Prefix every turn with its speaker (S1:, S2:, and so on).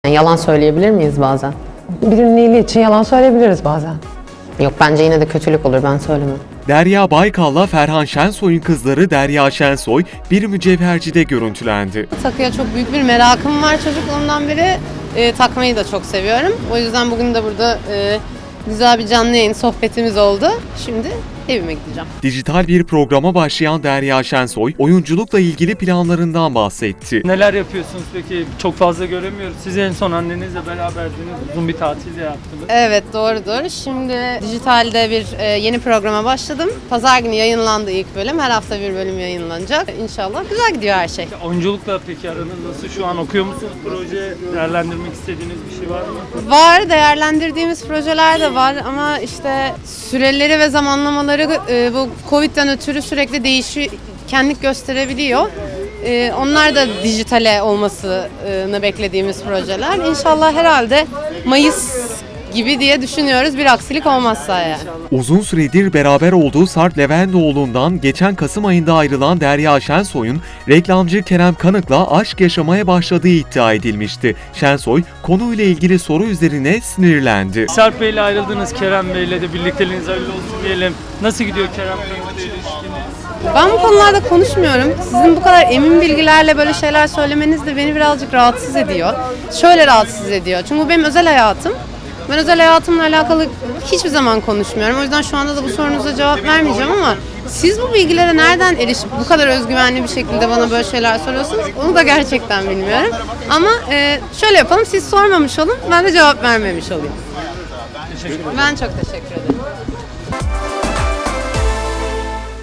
S1: Yani yalan söyleyebilir miyiz bazen?
S2: Birinin iyiliği için yalan söyleyebiliriz bazen.
S1: Yok, bence yine de kötülük olur, ben söylemem.
S3: Derya Baykal'la Ferhan Şensoy'un kızları Derya Şensoy bir mücevhercide görüntülendi.
S4: Takıya çok büyük bir merakım var çocukluğumdan beri. Takmayı da çok seviyorum. O yüzden bugün de burada güzel bir canlı yayın sohbetimiz oldu. Şimdi evime gideceğim.
S3: Dijital bir programa başlayan Derya Şensoy, oyunculukla ilgili planlarından bahsetti.
S5: Neler yapıyorsunuz peki? Çok fazla göremiyoruz. Siz en son annenizle beraberdiniz. Uzun bir tatil de yaptınız.
S4: Evet, doğrudur. Şimdi dijitalde bir yeni programa başladım. Pazar günü yayınlandı ilk bölüm. Her hafta bir bölüm yayınlanacak. İnşallah güzel gidiyor her şey.
S5: Oyunculukla peki aranız nasıl? Şu an okuyor musunuz proje? Değerlendirmek istediğiniz bir şey var mı?
S4: Var, değerlendirdiğimiz projeler de var ama işte süreleri ve zamanlamaları bu Covid'den ötürü sürekli değişkenlik gösterebiliyor. Onlar da dijitale olmasını beklediğimiz projeler. İnşallah herhalde Mayıs gibi diye düşünüyoruz, bir aksilik olmazsa yani.
S3: Uzun süredir beraber olduğu Sarp Leventioğlu'ndan geçen Kasım ayında ayrılan Derya Şensoy'un reklamcı Kerem Kanık'la aşk yaşamaya başladığı iddia edilmişti. Şensoy konuyla ilgili soru üzerine sinirlendi.
S5: Sarp Bey'le ayrıldınız, Kerem Bey'le de birlikteliğiniz hayırlı olsun diyelim. Nasıl gidiyor Kerem Kanık'la ilişkiniz?
S4: Ben bu konularda konuşmuyorum. Sizin bu kadar emin bilgilerle böyle şeyler söylemeniz de beni birazcık rahatsız ediyor. Şöyle rahatsız ediyor. Çünkü bu benim özel hayatım. Ben özel hayatımla alakalı hiçbir zaman konuşmuyorum. O yüzden şu anda da bu sorunuza cevap vermeyeceğim ama siz bu bilgilere nereden erişip bu kadar özgüvenli bir şekilde bana böyle şeyler soruyorsunuz? Onu da gerçekten bilmiyorum. Ama şöyle yapalım, siz sormamış olun, ben de cevap vermemiş olayım.
S5: Teşekkür ederim.
S4: Ben çok teşekkür ederim.